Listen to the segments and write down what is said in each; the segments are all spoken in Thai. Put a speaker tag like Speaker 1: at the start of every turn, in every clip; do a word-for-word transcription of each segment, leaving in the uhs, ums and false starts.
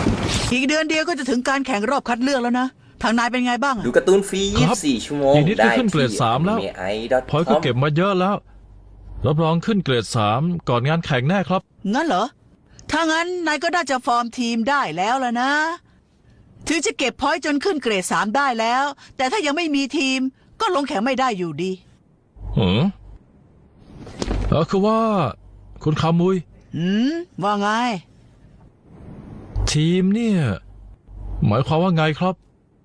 Speaker 1: อีกเดือนเดียวก็จะถึงการแข่งรอบคัดเลือกแล้วนะทางนายเป็นไงบ้าง
Speaker 2: ดูการ์ตูนฟรียี่สิบสี่ชั่วโมง
Speaker 3: อีกนิดก็
Speaker 2: ได้
Speaker 3: ขึ้นเกรด
Speaker 2: ที่
Speaker 3: สามแล้ว
Speaker 2: anime
Speaker 3: พอยก็เก็บมาเยอะแล้วรับรองขึ้นเกรดสามก่อนงานแข่งแน่ครับ
Speaker 1: งั้นเหรอถ้างั้นนายก็น่าจะฟอร์มทีมได้แล้วล่ะนะถึงจะเก็บพอยต์จนขึ้นเกรดสามได้แล้วแต่ถ้ายังไม่มีทีมก็ลงแข่งไม่ได้อยู่ดี
Speaker 3: หือเออคือว่าคุณคามุย
Speaker 1: อืมว่าไง
Speaker 3: ทีมเนี่ยหมายความว่าไงครับ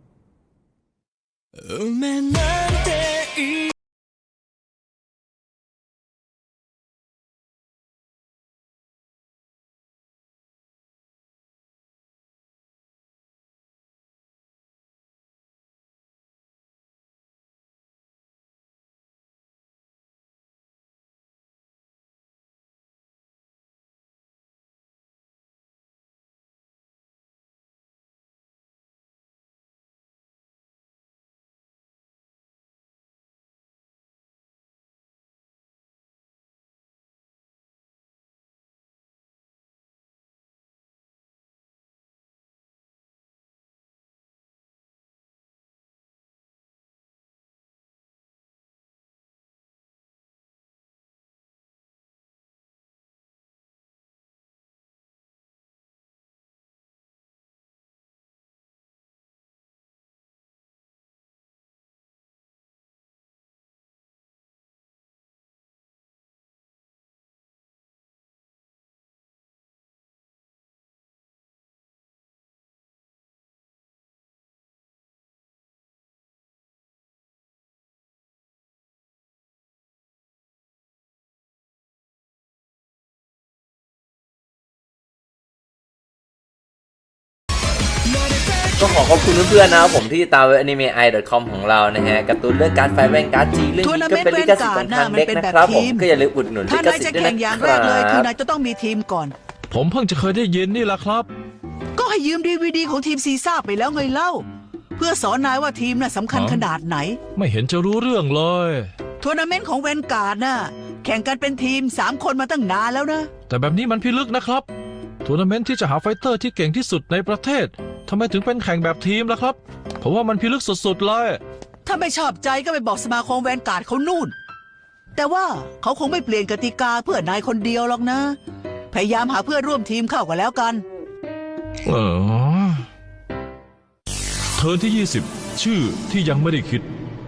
Speaker 2: ก็ขอขอบคุณเพื่อนๆนะครับผมที่ตามเว็บ anime i ดอท com ของเรานะฮะการ์ตูนเรื่องการไฟแว่นการ์ดจีเรื่องนี้ก็เป็นลิขสิทธิ์ของทางเด็กนะครับผมก็อย่าลืมอุดหนุนลิขสิทธิ์ด้วยนะครับ
Speaker 1: ถ้านายจะแข่งอย่างแรกเลยคือนายจะต้องมีทีมก่อน
Speaker 3: ผมเพิ่งจะเคยได้ยินนี่แหละครับ
Speaker 1: ก็ให้ยืมดีวีดีของทีมซีซ่าไปแล้วไงเล่าเพื่อสอนนายว่าทีมน่ะสำคัญขนาดไหน
Speaker 3: ไม่เห็นจะรู้เรื่องเลย
Speaker 1: ทัวร์นาเมนต์ของแวนการ์ดน่ะแข่งกันเป็นทีมสามคนมาตั้งนานแล้วนะ
Speaker 3: แต่แบบนี้มันพิลึกนะครับทัวร์นาเมนต์ที่จะหาไฟเตอร์ที่เก่งที่สุดในประเทศทำไมถึงเป็นแข่งแบบทีมล่ะครับผมว่ามันพิลึกสุดๆเลย
Speaker 1: ถ้าไม่ชอบใจก็ไปบอกสมาคมแวนการ์ดเขานู่นแต่ว่าเขาคงไม่เปลี่ยนกติกาเพื่อนายคนเดียวหรอกนะพยายามหาเพื่อนร่วมทีมเข้ากันแล้วกัน
Speaker 3: เออเทิร์นที่ยี่สิบชื่อที่ยังไม่ได้คิด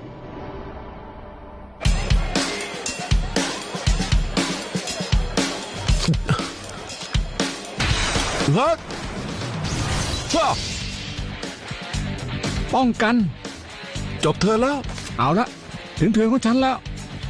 Speaker 3: ฮักว้า
Speaker 4: ป้องกัน
Speaker 3: จบเธอแล้ว
Speaker 4: เอาละถึงเธอของฉันแล้ว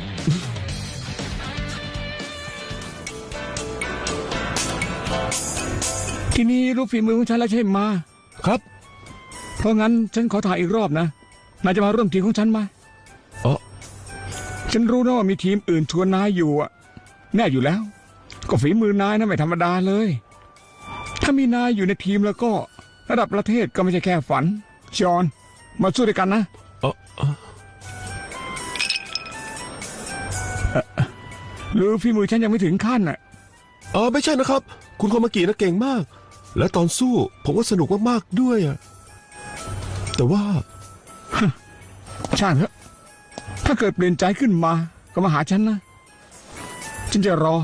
Speaker 4: ทีนี้รู้ฝีมือของฉันแล้วใช่ไหม
Speaker 3: ครับ
Speaker 4: เพราะงั้นฉันขอถ่ายอีกรอบนะนายจะมาร่วมทีมของฉันไหม
Speaker 3: อ๋อ
Speaker 4: ฉันรู้นะว่ามีทีมอื่นชวนนายอยู่อะแน่อยู่แล้วก็ฝีมือนายนะไม่ธรรมดาเลยถ้ามีนายอยู่ในทีมแล้วก็ระดับประเทศก็ไม่ใช่แค่ฝันชอนมาสู้ด้วยกันนะ
Speaker 3: เออ
Speaker 4: หรือฝีมือฉันยังไม่ถึงขั้นน่ะ
Speaker 5: เออไม่ใช่นะครับคุณโคมากินะเก่งมากและตอนสู้ผมก็สนุกมากๆด้วยอ่ะแต่ว่า
Speaker 4: ช่างเถอะถ้าเกิดเปลี่ยนใจขึ้นมาก็มาหาฉันนะฉันจะรอ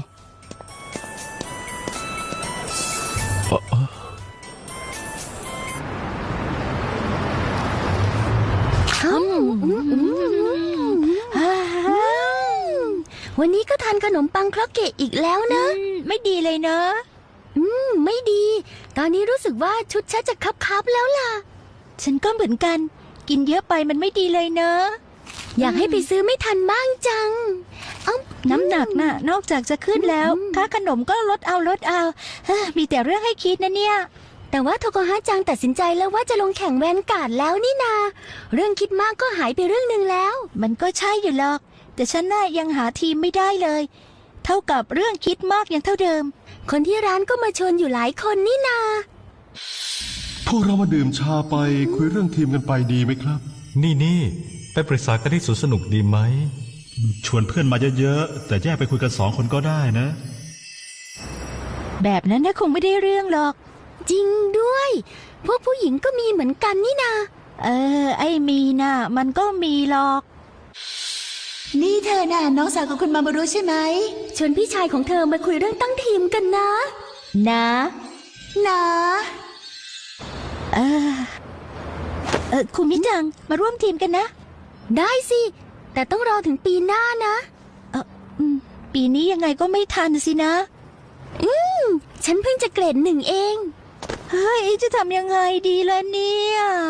Speaker 6: วันนี้ก็ทานขนมปังครกเกะอีกแล้วนะ
Speaker 7: ไม่ดีเลยเนอะ
Speaker 6: อืมไม่ดีตอนนี้รู้สึกว่าชุดฉันจะคับๆแล้วล่ะ
Speaker 7: ฉันก็เหมือนกันกินเยอะไปมันไม่ดีเลยเนอะ
Speaker 6: อยากให้ไปซื้อไม่ทันบ้างจัง
Speaker 7: น้ำหนักน่ะนอกจากจะขึ้นแล้วค่าขนมก็ลดเอาลดเอามีแต่เรื่องให้คิดนะเนี่ย
Speaker 6: แต่ว่าโทโกฮะจังตัดสินใจแล้วว่าจะลงแข่งแวนการ์ดแล้วนี่นาเรื่องคิดมากก็หายไปเรื่องหนึ่งแล้ว
Speaker 7: มันก็ใช่อยู่หรอกแต่ฉันน่ะยังหาทีมไม่ได้เลยเท่ากับเรื่องคิดมากยังเท่าเดิม
Speaker 6: คนที่ร้านก็มาชวนอยู่หลายคนนี่นา
Speaker 5: พวกเรามาดื่มชาไปคุยเรื่องทีมกันไปดีไหมครับ
Speaker 3: นี่นี่ไปปรึกษากันที่สวนสนุกดีไหม
Speaker 8: ชวนเพื่อนมาเยอะๆแต่แยกไปคุยกันสองคนก็ได้นะ
Speaker 7: แบบนั้นนะคงไม่ได้เรื่องหรอก
Speaker 6: จริงด้วย พวกผู้หญิงก็มีเหมือนกันนี่นา
Speaker 7: เออ ไอ้มีน่ะ มันก็มีหรอก
Speaker 6: นี่เธอน่ะน้องสาวของคุณมามารู้ใช่ไหมชวนพี่ชายของเธอมาคุยเรื่องตั้งทีมกันนะ
Speaker 7: นะ
Speaker 6: นะ
Speaker 7: เออ เออคุณมิจัง มาร่วมทีมกันนะ
Speaker 6: ได้สิ แต่ต้องรอถึงปีหน้านะ
Speaker 7: เอออืมปีนี้ยังไงก็ไม่ทันสินะ
Speaker 6: อืม ฉันเพิ่งจะเกรดหนึ่งเอง
Speaker 7: เฮ้ย จะทำยังไงดีล่ะเนี่ย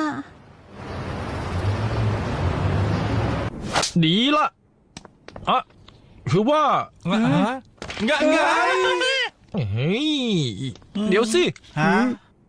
Speaker 3: ดีละอ่ะคือว่าไงไงไงเฮ้ยเดี๋ยวสิ
Speaker 8: ฮะ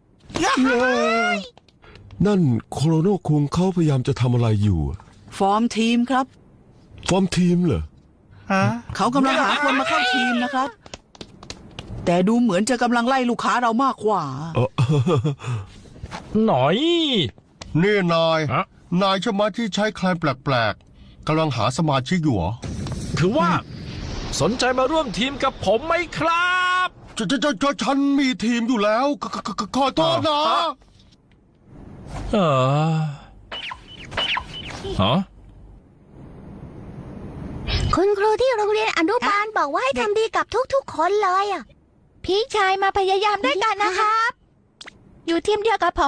Speaker 5: นั่นโคโรโนคุงเขาพยายามจะทำอะไรอยู่อะ
Speaker 1: ฟอร์มทีมครับ
Speaker 5: ฟอร์มทีมเหรอ
Speaker 8: ฮะ
Speaker 1: เขากำลังหาคนมาเข้าทีมนะครับ แต่ดูเหมือนจะกำลังไล่ลูกค้าเรามากกว่า
Speaker 5: เออ
Speaker 3: หน่อย
Speaker 9: นี่นาย
Speaker 3: ฮะ
Speaker 9: นายใช่ไหมที่ใช้แคลนแปลกๆกำลังหาสมาชิกอยู่เหรอ
Speaker 3: คือว่า สนใจมาร่วมทีมกับผมไหมครับ
Speaker 9: จะจะจะจะฉันมีทีมอยู่แล้วขขขขอโทษนะ
Speaker 3: เออฮะ
Speaker 6: คุณครูที่โรงเรียนอนุบาลบอกว่าให้ทำดีกับทุกๆคนเลยอ่ะ
Speaker 7: พี่ชายมาพยายามด้วยกันนะครับ อยู่ทีมเดียวกับผม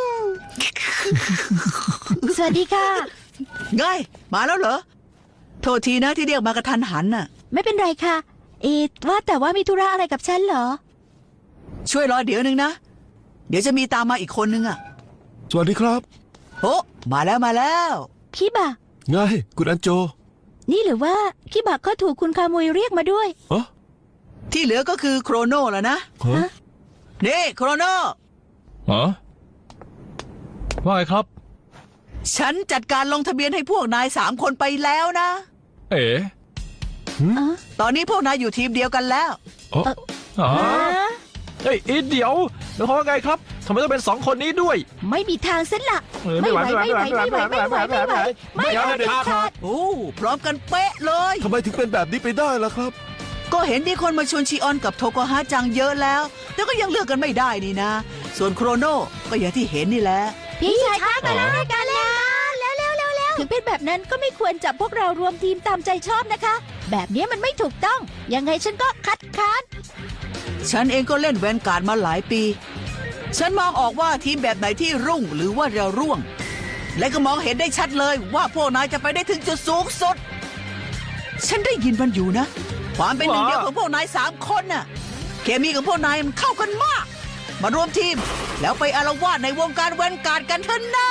Speaker 7: สวัสดีค่ะ
Speaker 1: ไง มาแล้วเหรอ โทษทีนะที่เรียกมากระทันหันน่ะ
Speaker 7: ไม่เป็นไรค่ะ เอ็ดว่าแต่ว่ามีธุระอะไรกับฉันเหรอ
Speaker 1: ช่วยรอเดี๋ยวนึงนะ เดี๋ยวจะมีตามมาอีกคนนึงอ่ะ
Speaker 5: สวัสดีครับ
Speaker 1: โอ้มาแล้วมาแล้ว
Speaker 7: พี่บะ
Speaker 5: ไงคุณอันโจ
Speaker 7: นี่หรือว่าพี่บะก็ถูกคุณคามุยเรียกมาด้วย
Speaker 5: เออ
Speaker 1: ที่เหลือก็คือโครโนแล้วนะ
Speaker 5: ฮะ
Speaker 1: นี่โครโน
Speaker 3: ฮะว่าไงครับ
Speaker 1: ฉันจัดการลงทะเบียนให้พวกนายสามคนไปแล้วนะ
Speaker 3: เอ๋
Speaker 1: ตอนนี้พวกนายอยู่ทีมเดียวกันแล้ว
Speaker 5: อ๋อ
Speaker 3: อ๋อ
Speaker 7: ฮะ
Speaker 3: เฮ้ยอีเดี๋ยวเดี๋ยวเขาว่าไงครับทำไมต้องเป็นสองคนนี้ด้วย
Speaker 7: ไม่มีทางเส้นละ
Speaker 3: เออ
Speaker 7: ไม่ไหว
Speaker 3: ไม่
Speaker 7: ไม่
Speaker 3: ไห
Speaker 7: ไห
Speaker 3: ว
Speaker 7: วไม่ไหวไม่ไหวไม่ไหวไม่ไหวไม่ไหว
Speaker 3: ไม่
Speaker 7: เด็ด
Speaker 3: เอา
Speaker 7: ขาด
Speaker 1: โอ้พร้อมกันเป๊ะเลย
Speaker 5: ทำไมถึงเป็นแบบนี้ไปได้ล่ะครับ
Speaker 1: ก็เห็นที่คนมาชวนชีออนกับโทโกฮะจังเยอะแล้ว แต่ก็ยังเลือกกันไม่ได้นี่นะ ส่วนโครโนก็อย่างที่เห็นนี่แหละ
Speaker 7: พี่ชายข้ามาแล้วด้วยกันแล้วแล้วแล้วแล้วแล้วถึงเป็นแบบนั้นก็ไม่ควรจับพวกเรารวมทีมตามใจชอบนะคะ แบบนี้มันไม่ถูกต้อง ยังไงฉันก็คัดค้าน
Speaker 1: ฉันเองก็เล่นแวนการ์ดมาหลายปี ฉันมองออกว่าทีมแบบไหนที่รุ่งหรือว่าเราร่วง และก็มองเห็นได้ชัดเลยว่าพวกนายจะไปได้ถึงจุดสูงสุด ฉันได้ยินมันอยู่นะ ความเป็นหนึ่งเดียวของพวกนายสามคนน่ะ เคมีของพวกนายมันเข้ากันมาก มารวมทีม แล้วไปอารวาสในวงการแวนการ์ดกันเถอะนะ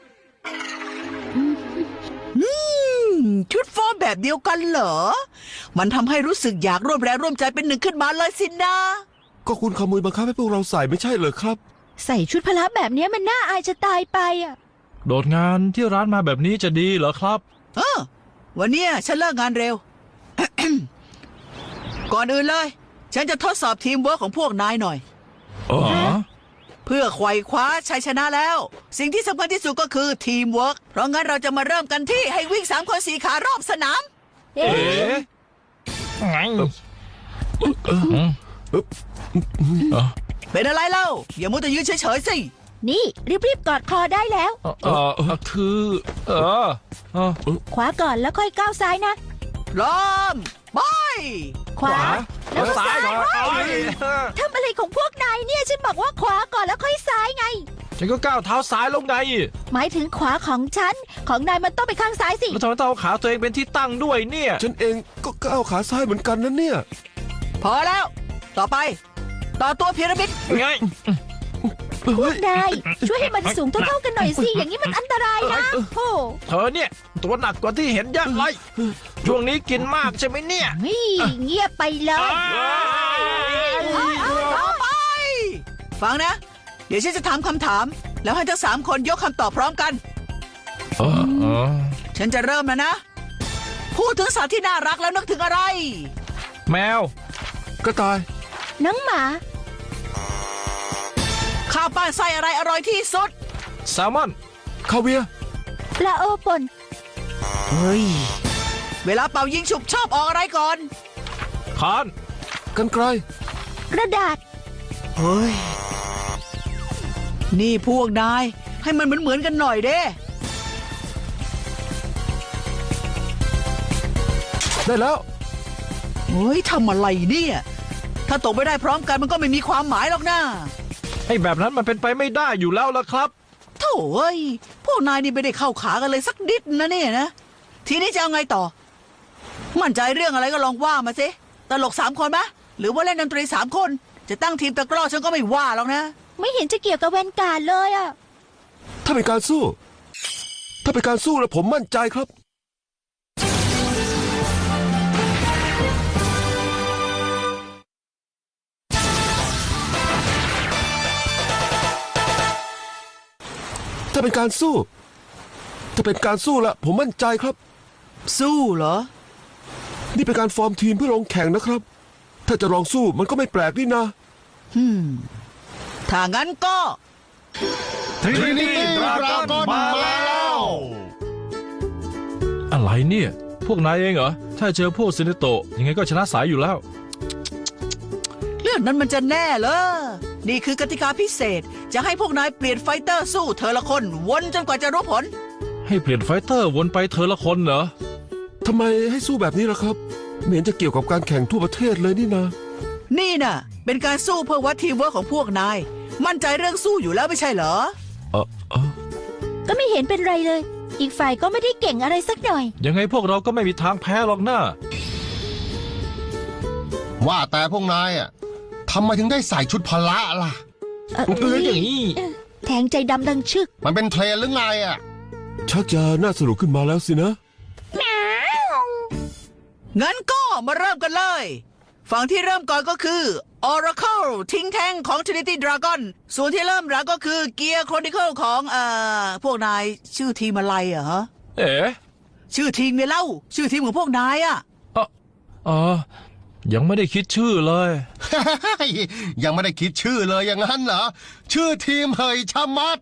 Speaker 1: อืมชุดฟอร์มแบบเดียวกันเหรอ มันทำให้รู้สึกอยากร่วมแรงร่วมใจเป็นหนึ่งขึ้นมาเลยสินะ
Speaker 5: ก็คุณขโมยบังคับให้พวกเราใส่ไม่ใช่เหรอครับ
Speaker 7: ใส่ชุดพละแบบนี้มันน่าอายจะตายไปอ่ะ
Speaker 3: โดดงานที่ร้านมาแบบนี้จะดีเหรอครับ
Speaker 1: เออวันเนี้ยฉันเลิกงานเร็ว ก่อนอื่นเลย ฉันจะทดสอบทีมเวิร์คของพวกนายหน่อย
Speaker 3: อ๋อ
Speaker 1: เพื่อไขว่คว้าชัยชนะแล้ว สิ่งที่สำคัญที่สุดก็คือทีมเวิร์คเพราะงั้นเราจะมาเริ่มกันที่ให้วิ่งสามคนสี่ขารอบสนาม
Speaker 7: เอ๊
Speaker 3: เอ๋
Speaker 7: ะ
Speaker 3: ไงเออ
Speaker 1: เป็นอะไรเล่า อย่ามัวแต่ยืนเฉยๆสิ
Speaker 7: นี่รีบๆกอดคอได้แล้ว
Speaker 3: เออเออเออคือ เออเออ
Speaker 7: ขวาก่อนแล้วค่อยก้าวซ้ายนะ
Speaker 1: พร้อมไป
Speaker 7: ขวาแล้วก็
Speaker 3: ซ้า
Speaker 7: ซ้าย ย
Speaker 3: ก่อน
Speaker 7: เว้ยทำอะไรของพวกนายเนี่ยฉันบอกว่าขวาก่อนแล้วค่อยซ้ายไง
Speaker 3: ฉันก็ก้าวเท้าซ้ายลงไง
Speaker 7: หมายถึงขวาของฉัน ของนายมันต้องไปข้างซ้ายสิ
Speaker 3: แล้วทำไมต้องเอาขาตัวเองเป็นที่ตั้งด้วยเนี่ย
Speaker 5: ฉันเองก็ก้าวขาซ้ายเหมือนกันนะเนี่ย
Speaker 1: พอแล้ว ต่อไป ต่อตัวพีระมิด
Speaker 3: ไง
Speaker 7: พวกนายช่วยให้มันสูงเท่าๆกันหน่อยสิ อย่างนี้มันอันตรายนะโอ้
Speaker 3: เธอเนี่ย ตัวหนักกว่าที่เห็นเยักเลยช่วงนี้กินมากใช่ไหมเนี่ย
Speaker 7: นี่เงียบไปเลย
Speaker 1: ต่อไป ฟังนะ เดี๋ยวฉันจะถามคำถาม แล้วให้ทั้งสามคนยกคำตอบพร้อมกัน
Speaker 3: เออเออ
Speaker 1: ฉันจะเริ่มแล้วนะ พูดถึงสัตว์ที่น่ารักแล้วนึกถึงอะไร
Speaker 3: แมว
Speaker 5: กระต่าย
Speaker 7: น้องหมา
Speaker 1: ข้าวปั้นไส้อะไรอร่อยที่สุด
Speaker 3: แซลมอน
Speaker 5: คาเวียร์
Speaker 7: ปลาโอป่น
Speaker 1: เฮ้ย เวลาเป่ายิงฉุบชอบออกอะไรก่อน
Speaker 3: คาน
Speaker 5: กันไกล
Speaker 7: กระดาษ
Speaker 1: เฮ้ยนี่พวกนายให้มันเหมือนเหมือนๆกันหน่อยเด้
Speaker 5: ได้แล้ว
Speaker 1: เฮ้ยทำอะไรเนี่ย ถ้าตกไม่ได้พร้อมกันมันก็ไม่มีความหมายหรอกนะ
Speaker 3: ไอ้แบบนั้นมันเป็นไปไม่ได้อยู่แล้วละครับ
Speaker 1: โถ่เอ้ยพวกนายนี่ไม่ได้เข้าขากันเลยสักนิดนะเนี่ยนะ ทีนี้จะเอาไงต่อ มั่นใจเรื่องอะไรก็ลองว่ามาสิตลกสามคนไหมหรือว่าเล่นดนตรีสามคน จะตั้งทีมตะกร้อฉันก็ไม่ว่าหรอกนะ
Speaker 7: ไม่เห็นจะเกี่ยวกับแวนการ์ดเลยอะ
Speaker 5: ถ้าเป็นการสู้ ถ้าเป็นการสู้แล้วผมมั่นใจครับ ถ้าเป็นการสู้ ถ้าเป็นการสู้ละผมมั่นใจครับ
Speaker 1: สู้เหรอ
Speaker 5: นี่เป็นการฟอร์มทีมเพื่อลงแข่งนะครับ ถ้าจะลองสู้มันก็ไม่แปลกนี่นะ
Speaker 1: ฮึมถ้างั้นก็
Speaker 8: Trinity Dragon มาแล้ว
Speaker 3: อะไรเนี่ย พวกนายเองเหรอ ถ้าเจอพวกซินโตะยังไงก็ชนะสายอยู่แล้ว
Speaker 1: เรื่องนั้นมันจะแน่เหรอ นี่คือกติกาพิเศษ จะให้พวกนายเปลี่ยนไฟเตอร์สู้เธอละคนวนจนกว่าจะรู้ผล
Speaker 3: ให้เปลี่ยนไฟเตอร์วนไปเธอละคนเหรอ
Speaker 5: ทำไมให้สู้แบบนี้ล่ะครับไม่เห็นจะเกี่ยวกับการแข่งทั่วประเทศเลยนี่นะ
Speaker 1: นี่น่ะ เป็นการสู้เพื่อวัดทีมเวิร์คของพวกนาย มั่นใจเรื่องสู้อยู่แล้วไม่ใช่เหรอ
Speaker 5: เออเออ
Speaker 7: ก็ไม่เห็นเป็นไรเลย อีกฝ่ายก็ไม่ได้เก่งอะไรสักหน่อย
Speaker 3: ยังไงพวกเราก็ไม่มีทางแพ้หรอกนะ
Speaker 9: ว่าแต่พวกนายอ่ะทำไมถึงได้ใส่ชุดพละล่ะ
Speaker 7: เอ่อ
Speaker 3: เอออย่างนี้
Speaker 7: เอ่อแทงใจดำดังชึก
Speaker 9: มันเป็นเทรนหรือไงอ่ะ
Speaker 5: ชักจะน่าสนุกขึ้นมาแล้วสินะ
Speaker 1: งั้นก็มาเริ่มกันเลย ฝั่งที่เริ่มก่อนก็คือ Oracle ทิ้งแทงของ Trinity Dragon ส่วนที่เริ่มหลังก็คือ Gear Chronicle ของเอ่อพวกนายชื่อทีมอะไรอะฮะ
Speaker 3: เอ๋
Speaker 1: ชื่อทีมไงเล่า ชื่อทีมของพวกนายอะ
Speaker 3: อ๋ออ๋อยังไม่ได้คิดชื่อเลย
Speaker 9: ยังไม่ได้คิดชื่อเลยอย่างนั้นเหรอ ชื่อทีมเฮยชะมัด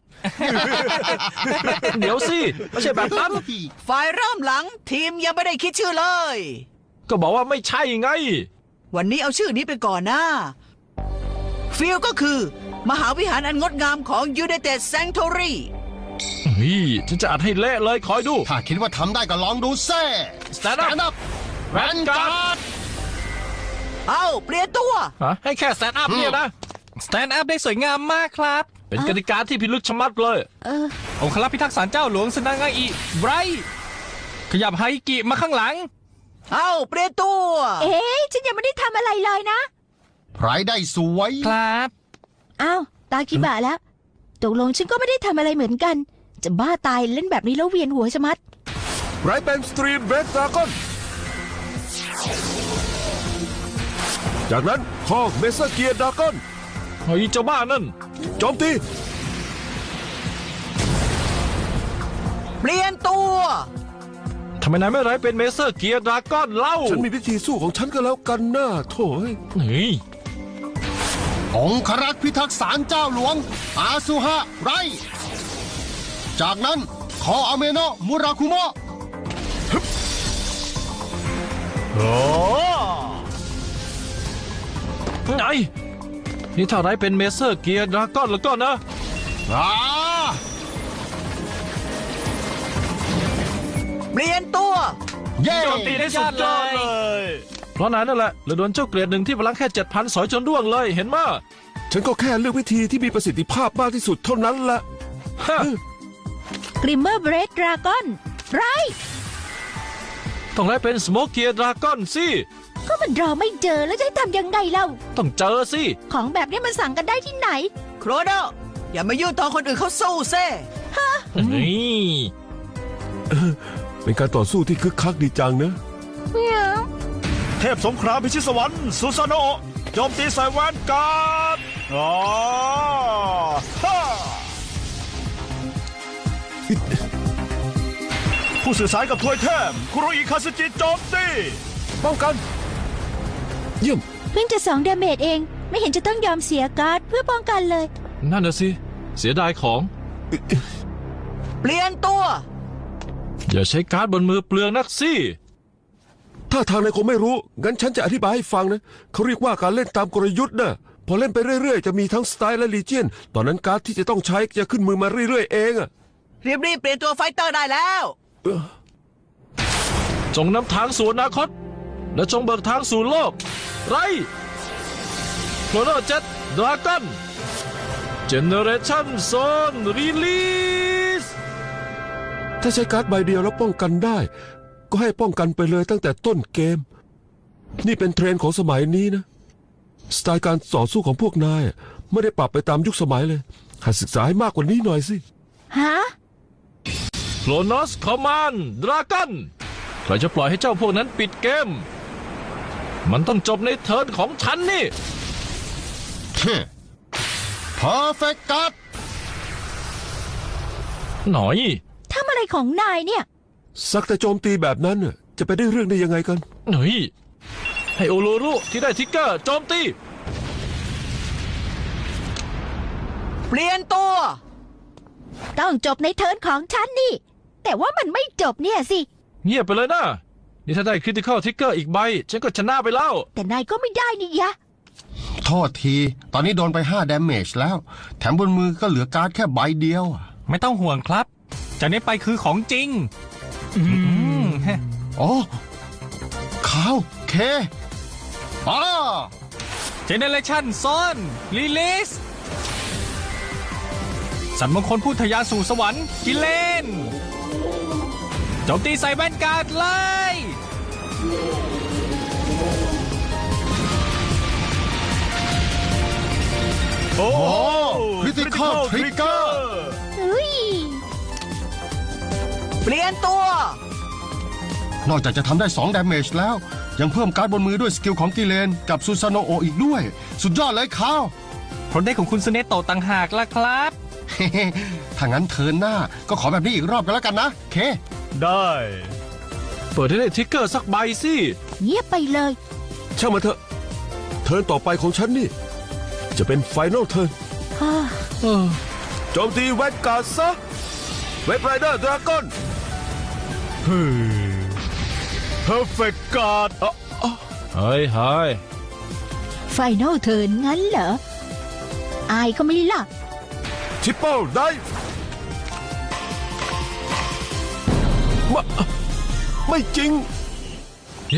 Speaker 3: เดี๋ยวสิ ไม่ใช่แบบนั้น
Speaker 1: ฝ่ายเริ่มหลังทีมยังไม่ได้คิดชื่อเลย
Speaker 3: ก็บอกว่าไม่ใช่ไง
Speaker 1: วันนี้เอาชื่อนี้ไปก่อนนะฟิลก็คือ มหาวิหารอันงดงามของ United Sanctuary
Speaker 3: เฮ้ยฉันจะอัดให้เละเลยคอยดู
Speaker 9: ถ้าคิดว่าทำได้ก็ลองดูแซ่
Speaker 3: Stand up
Speaker 9: up แวนการ์ด
Speaker 1: เอาเปลี่ยนตัว
Speaker 3: ฮะให้แค่สแตนด์อัพเนี่ยนะ สแตนด์อัพได้สวยงามมากครับ เป็นกติกาที่พิลึกชะมัดเลย
Speaker 7: เออ
Speaker 3: องคลักษ์พิทักษ์ศาลเจ้าหลวงสนางาอิไบรท์ขยับไฮกิมาข้างหลัง
Speaker 1: เอาเปลี่ยนตัว
Speaker 7: เอ๊ะฉันยังไม่ได้ทำอะไรเลยนะ
Speaker 9: ไพรได้สวย
Speaker 3: ครับ
Speaker 7: อ้าวตาคิบะแล้ว ตกลงฉันก็ไม่ได้ทำอะไรเหมือนกัน จะบ้าตายเล่นแบบนี้แล้วเวียนหัวชะมัด
Speaker 5: ไรเป็นสตรีมเบรกดราก้อนจากนั้นคอกเมเซอร์เกียร์ดราก้อน
Speaker 3: เฮ้ยเจ้าบ้านั่น
Speaker 5: โจมตี
Speaker 1: เปลี่ยนตัว
Speaker 3: ทำไมนายไม่ไร้เป็นเมเซอร์เกียร์ดราก้อนเล่า
Speaker 5: ฉันมีวิธีสู้ของฉันก็แล้วกันนะโถ่เอ้ย
Speaker 3: เฮ้ย
Speaker 9: องครักษ์พิทักษ์ศาลเจ้าหลวง อาซุฮะไร จากนั้นคออาเมโนะมุราคุโมะ
Speaker 3: โอ้ไงนี่ถ้าไร้เป็นเมเซอร์เกียร์ดราก้อนแล้วก็นะ
Speaker 9: อ่า
Speaker 1: เปลี่ยนตัว
Speaker 9: เย้
Speaker 3: โจมตีได้สุดยอดเลย เพราะนายนั่นแหละเลยโดนเจ้าเกรดหนึ่งที่พลังแค่เจ็ดพันสอยจนร่วงเลยเห็นมั้ย
Speaker 5: ฉันก็แค่เลือกวิธีที่มีประสิทธิภาพมากที่สุดเท่านั้นแหละ
Speaker 3: ฮะ
Speaker 7: กริมเมอร์เบรดดราก้อนไร
Speaker 3: ต้องไร้เป็นสโมกเกียร์ดราก้อนสิ
Speaker 7: ก็มันรอไม่เจอแล้วจะให้ทำยังไงเล่า
Speaker 3: ต้องเจอสิ
Speaker 7: ของแบบนี้มันสั่งกันได้ที่ไหน
Speaker 1: โครโนอย่ามายุ่งตอนคนอื่นเขาสู้เซ่
Speaker 3: นี่
Speaker 5: เป็นการต่อสู้ที่คึกคักดีจังนะ
Speaker 8: เทพสงครามพิชิตสวรรค์ซูซาโนะโจมตีใส่แวนการ์ดอ๋อฮ่าผู้สื่อสารกับทวยเทพคุโรอิคาสึจิโจมตี
Speaker 5: ป้องกัน เยี่ยม
Speaker 7: เพิ่งจะสองดาเมจเอง ไม่เห็นจะต้องยอมเสียการ์ดเพื่อป้องกันเลย
Speaker 3: นั่นน่ะสิ เสียดายของ
Speaker 1: เปลี่ยนตัว
Speaker 3: อย่าใช้การ์ดบนมือเปลืองนักสิ
Speaker 5: ถ้าทางนายคงไม่รู้ งั้นฉันจะอธิบายให้ฟังนะ เขาเรียกว่าการเล่นตามกลยุทธ์นะพอเล่นไปเรื่อยๆจะมีทั้งสไตล์และลีเจียนตอนนั้นการ์ดที่จะต้องใช้จะขึ้นมือมาเรื่อยๆเองอะ
Speaker 1: รีบๆเปลี่ยนตัวไฟเตอร์ได้แล้ว
Speaker 3: จงนำทางสู่อนาคต และจงเบิกทางสู่โลก ไรโครโนเจ็ตดราก้อนเจเนเรชั่นโซนรีลีส
Speaker 5: ถ้าใช้การ์ดใบเดียวแล้วป้องกันได้ ก็ให้ป้องกันไปเลยตั้งแต่ต้นเกม นี่เป็นเทรนด์ของสมัยนี้นะสไตล์การต่อสู้ของพวกนายไม่ได้ปรับไปตามยุคสมัยเลยหัดศึกษาให้มากกว่านี้หน่อยสิ
Speaker 7: ฮะ
Speaker 3: โครโนสคอมมานดราก้อนใครจะปล่อยให้เจ้าพวกนั้นปิดเกม มันต้องจบในเทิร์นของฉันนี่
Speaker 9: เพอร์เฟกต์การ์ด
Speaker 3: หน่อย
Speaker 7: ทำอะไรของนายเนี่ย
Speaker 5: สักแต่โจมตีแบบนั้นน่ะจะไปได้เรื่องได้ยังไงกัน
Speaker 3: หน่อย ให้โอโรรุที่ได้ทิกเกอร์โจมตี
Speaker 1: เปลี่ยนตัว
Speaker 7: ต้องจบในเทิร์นของฉันนี่ แต่ว่ามันไม่จบเนี่ยสิ
Speaker 3: เงียบไปเลยนะ นี่ถ้าได้คริติคอลทิกเกอร์อีกใบ ฉันก็ชนะไปแล้ว
Speaker 7: แต่นายก็ไม่ได้นี่ยะ
Speaker 9: โทษที ตอนนี้โดนไปห้า damage แล้ว แถมบนมือก็เหลือการ์ดแค่ใบเดียวอะ
Speaker 10: ไม่ต้องห่วงครับ จากนี้ไปคือของจริง อืม
Speaker 9: โอ้ขาวเคป้า
Speaker 10: เจเนเรชั่นซอนรีลิสสันมงคลพูดทะยานสู่สวรรค์กิเลนโจมตีใส่แว่นการ์ดเลย
Speaker 8: โอ้
Speaker 9: คริติคอลทริกเกอร์
Speaker 7: เฮ้ย
Speaker 1: เปลี่ยนตัว
Speaker 9: นอกจากจะทำได้สอง damage แล้ว ยังเพิ่มการ์ดบนมือด้วยสกิลของกิเลนกับซูซานโนโออีกด้วย สุดยอดเลยขาว
Speaker 10: ผลได้ของคุณสเนโตะต่างหากล่ะครับ
Speaker 9: ถ้างั้นเทิร์นหน้าก็ขอแบบนี้อีกรอบกันแล้วกันนะ เค
Speaker 8: ได้
Speaker 3: เปิดให้ได้ทิกเกอร์สักใบสิ
Speaker 7: เงียบไปเลย
Speaker 5: ช่างมันเถอะ เทิร์นต่อไปของฉันนี่ จะเป็นไฟนอลเทิร์น
Speaker 7: ฮ่า
Speaker 3: เออ
Speaker 5: โจมตีแวนการ์ดซะเวทไรเดอร์ดราก้อน
Speaker 8: เฮ้ย perfect guard อ่ะ
Speaker 3: เฮ้ยเฮ้ย
Speaker 7: ไฟนอลเทิร์นงั้นเหรอ อายเขาไหม่ล่ะ
Speaker 5: ทิปเปิลได้ไม่ไม่จริง
Speaker 3: เฮ้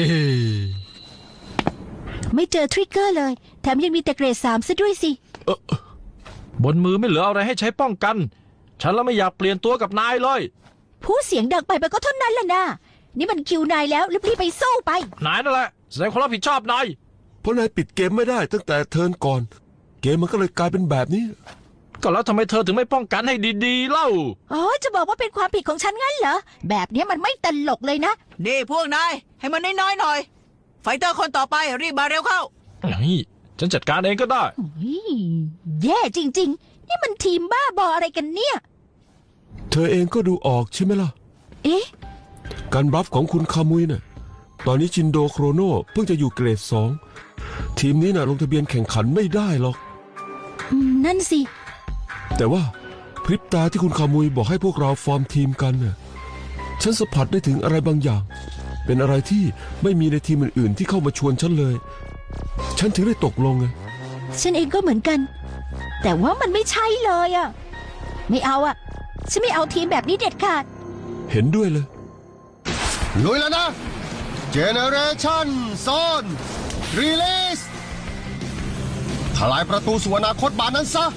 Speaker 7: ไม่เจอทริกเกอร์เลย แถมยังมีแต่เกรดสามซะด้วยสิ
Speaker 3: บนมือไม่เหลืออะไรให้ใช้ป้องกัน ฉันแล้วไม่อยากเปลี่ยนตัวกับนายเลย
Speaker 7: ผู้เสียงดังไปไปก็เท่านั้นล่ะนะนี่มันคิวนายแล้วรีบๆไปสู้ไป
Speaker 3: นายนั่นแหละแสดงความรับผิดชอบนาย
Speaker 5: เพราะนายปิดเกมไม่ได้ตั้งแต่เทิร์นก่อน เกมมันก็เลยกลายเป็นแบบนี้
Speaker 3: ก็แล้วทำไมเธอถึงไม่ป้องกันให้ดีๆเล่า
Speaker 7: อ๋อ จะบอกว่าเป็นความผิดของฉันงั้นเหรอ แบบเนี้ยมันไม่ตลกเลยนะ
Speaker 1: นี่พวกนาย ให้มันน้อยๆหน่อย ไฟเตอร์คนต่อไปรีบมาเร็วเข้า
Speaker 3: นี่ฉันจัดการเองก็ได้
Speaker 7: อุ๊ยแย่จริง ๆ นี่มันทีมบ้าบออะไรกันเนี่ย
Speaker 5: เธอเองก็ดูออกใช่ไหมล่ะ
Speaker 7: เอ๊ะ
Speaker 5: การบลัฟของคุณคามุยน่ะ ตอนนี้ชินโดโครโนเพิ่งจะอยู่เกรดสอง ทีมนี้น่ะลงทะเบียนแข่งขันไม่ได้หรอก
Speaker 7: อืม นั่นสิ
Speaker 5: แต่ว่าพริบตาที่คุณคามุยบอกให้พวกเราฟอร์มทีมกันน่ะ ฉันสัมผัสได้ถึงอะไรบางอย่าง เป็นอะไรที่ไม่มีในทีมอื่นๆที่เข้ามาชวนฉันเลย ฉันถึงได้ตกลงไง
Speaker 7: ฉันเองก็เหมือนกัน แต่ว่ามันไม่ใช่เลยอะไม่เอาอะฉันไม่เอาทีมแบบนี้เด็ดขาด
Speaker 5: เห็นด้วยเลย
Speaker 9: ลุยแล้วนะ Generation Zone Release ทลายประตูสู่อนาคตบานนั้นซะ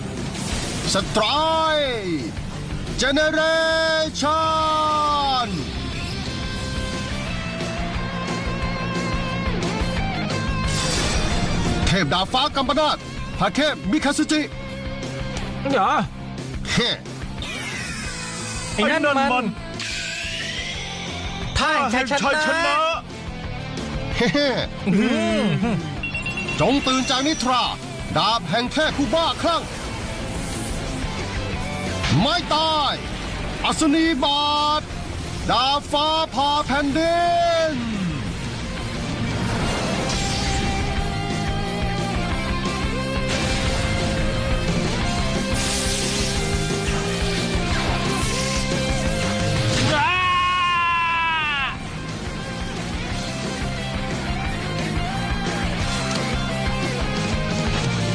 Speaker 9: Strike Generation เทพดาบฟ้ากัมปนาตพาเคพมิคาซุจิ
Speaker 3: อย่า
Speaker 9: เฮ้
Speaker 10: ไอ้นั่นมันท่า
Speaker 8: แห่งชัยชนะ
Speaker 9: เฮ้จงตื่นจากนิทรา ดาบแห่งเทพผู้บ้าคลั่ง ไม่ตาย อัศนีบาท ดาบฟ้าผ่าแผ่นดิน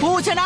Speaker 1: ผู้ชนะ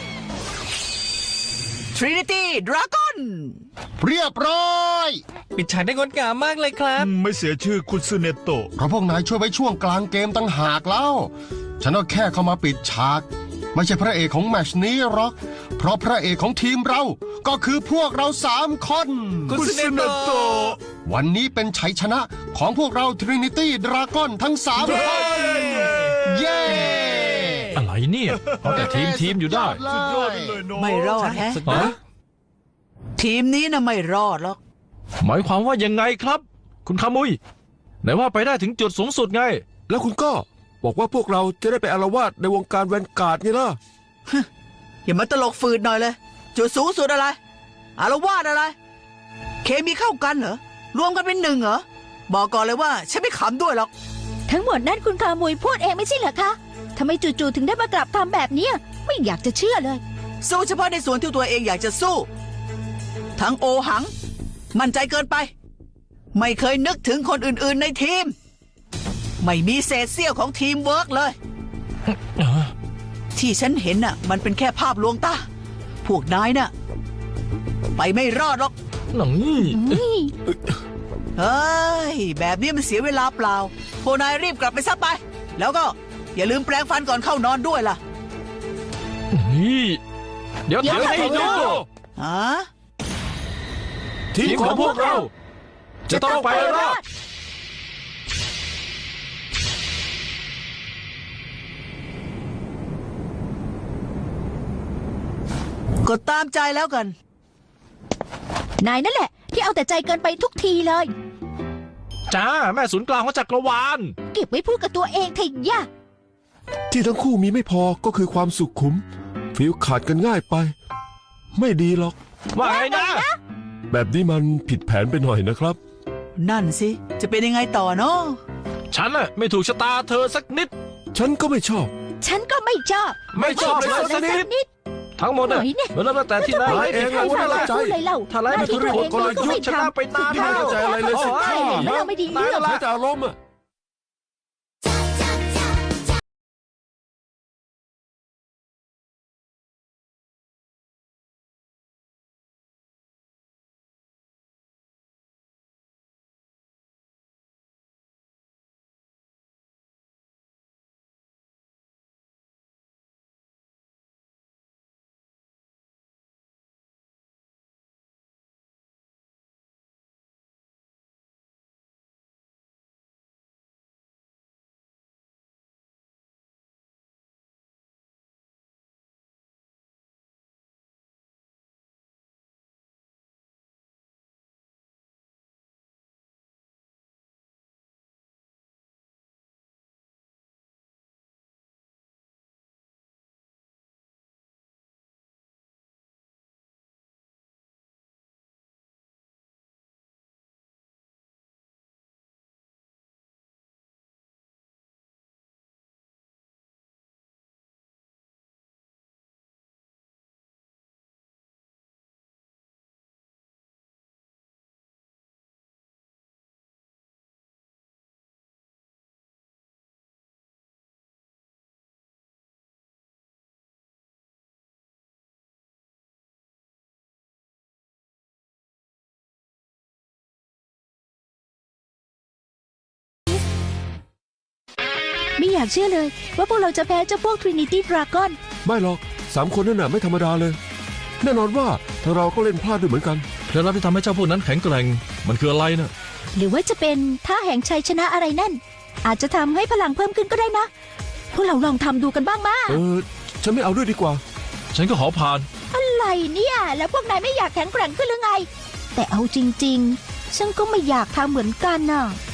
Speaker 1: Trinity Dragon
Speaker 9: เรียบร้อย
Speaker 10: ปิดฉากได้งดงามมากเลยครับ
Speaker 8: ไม่เสียชื่อคุณซูเนโตะ
Speaker 9: เพราะพวกนายช่วยไว้ช่วงกลางเกมตั้งหากแล้ว ฉันก็แค่เข้ามาปิดฉาก ไม่ใช่พระเอกของแมตชนี้หรอก เพราะพระเอกของทีมเราก็คือพวกเราสามคน
Speaker 8: คุณซูเนโตะ
Speaker 9: วันนี้เป็นชัยชนะของพวกเรา Trinity Dragon ทั้งสามคน เย้
Speaker 3: อะไรเนี่ยเอาแต่ทีมทีมอยู่ได้
Speaker 8: สุดยอดไปเลยเนาะ
Speaker 1: ไม่รอดแฮะ
Speaker 3: ฮะ
Speaker 1: ทีมนี้นะไม่รอดหรอก
Speaker 3: หมายความว่ายังไงครับ คุณคามุยไหนว่าไปได้ถึงจุดสูงสุดไง
Speaker 5: แล้วคุณก็บอกว่าพวกเราจะได้ไปอาละวาดในวงการแวนการ์ดไงล่ะ
Speaker 1: อย่ามาตลกฝืดหน่อยเลย จุดสูงสุดอะไร อารวาสอะไร เคมีเข้ากันเหรอ รวมกันเป็นหนึ่งเหรอ บอกก่อนเลยว่าฉันไม่ขำด้วยหรอก
Speaker 7: ทั้งหมดนั้นคุณคามุยพูดเองไม่ใช่เหรอคะทำไมจู่ๆถึงได้มากลับทำแบบเนี้ยไม่อยากจะเชื่อเลย
Speaker 1: สู้เฉพาะในส่วนที่ตัวเองอยากจะสู้ ทั้งโอหัง มั่นใจเกินไป ไม่เคยนึกถึงคนอื่นๆในทีม ไม่มีเศษเสี้ยวของทีมเวิร์กเลย ที่ฉันเห็นน่ะ มันเป็นแค่ภาพลวงตา พวกนายน่ะ ไปไม่รอดหรอก
Speaker 3: หนังนี่
Speaker 1: เฮ้ย แบบนี้มันเสียเวลาเปล่าพวกนายรีบกลับไปซะไป แล้วก็อย่าลืมแปรงฟันก่อนเข้านอนด้วยล่ะ
Speaker 3: นี่เดี๋ยว
Speaker 7: เดี๋ยว
Speaker 3: ทำให้
Speaker 7: เดี๋ยว
Speaker 3: ดู
Speaker 1: ฮะ
Speaker 3: ทีมของพวกเรา จะต้องไปรอด
Speaker 1: กดตามใจแล้วกัน
Speaker 7: นายนั่นแหละ ที่เอาแต่ใจเกินไปทุกทีเลย
Speaker 3: จ้าแม่ศูนย์กลางของจักรวาล
Speaker 7: เก็บไว้พูดกับตัวเองเถอะย่า
Speaker 5: ที่ทั้งคู่มีไม่พอก็คือความสุขขุมฟิลขาดกันง่ายไป ไม่ดีหรอก
Speaker 3: ว่าไงนะ
Speaker 5: แบบนี้มันผิดแผนไปหน่อยนะครับ
Speaker 1: นั่นสิ จะเป็นยังไงต่อเนาะ
Speaker 3: ฉันน่ะไม่ถูกชะตาเธอสักนิด
Speaker 5: ฉันก็ไม่ชอบ
Speaker 7: ฉันก็ไม่ชอบ
Speaker 3: ไม่ชอบเลยสักนิด
Speaker 7: นิด
Speaker 3: ทั้งหมดน่ะ
Speaker 7: หน่อยเนี่ย
Speaker 3: มันเริ่มตั้งแต่ที่นาย
Speaker 5: นายเองอะ
Speaker 7: พูด
Speaker 5: ว่า
Speaker 7: อะไร
Speaker 5: ใจ
Speaker 7: พูดเลยเล่า
Speaker 3: ถ้าไล่ไป
Speaker 7: หน้ที่ตัวเอง
Speaker 3: กล
Speaker 7: นายก็
Speaker 3: ยุท
Speaker 7: ไม่
Speaker 3: ธ์ชนะ
Speaker 7: ทำ
Speaker 3: ไปนาน
Speaker 7: สุดท้าย
Speaker 5: ไม่เข้าใจอะไรเลยสิ
Speaker 7: ใช่แล้วเราไม่ดีเรื่อง
Speaker 5: ใช้แต่อารมณ์อะ
Speaker 7: ไม่อยากเชื่อเลย ว่าพวกเราจะแพ้เจ้าพวก Trinity Dragon
Speaker 5: ไม่หรอกสามคนนั่นน่ะไม่ธรรมดาเลย แน่นอนว่าทางเราก็เล่นพลาดด้วยเหมือนกัน
Speaker 3: เคล็ดลับที่ทำให้เจ้าพวกนั้นแข็งแกร่งมันคืออะไรนะ
Speaker 7: หรือว่าจะเป็นท่าแห่งชัยชนะอะไรนั่น อาจจะทำให้พลังเพิ่มขึ้นก็ได้นะ พวกเราลองทำดูกันบ้างมา
Speaker 5: เออ ฉันไม่เอาด้วยดีกว่า
Speaker 3: ฉันก็ขอผ่าน
Speaker 7: อะไรเนี่ย แล้วพวกนายไม่อยากแข็งแกร่งขึ้นหรือไง แต่เอาจริงๆ ฉันก็ไม่อยากทำเหมือนกันน่ะ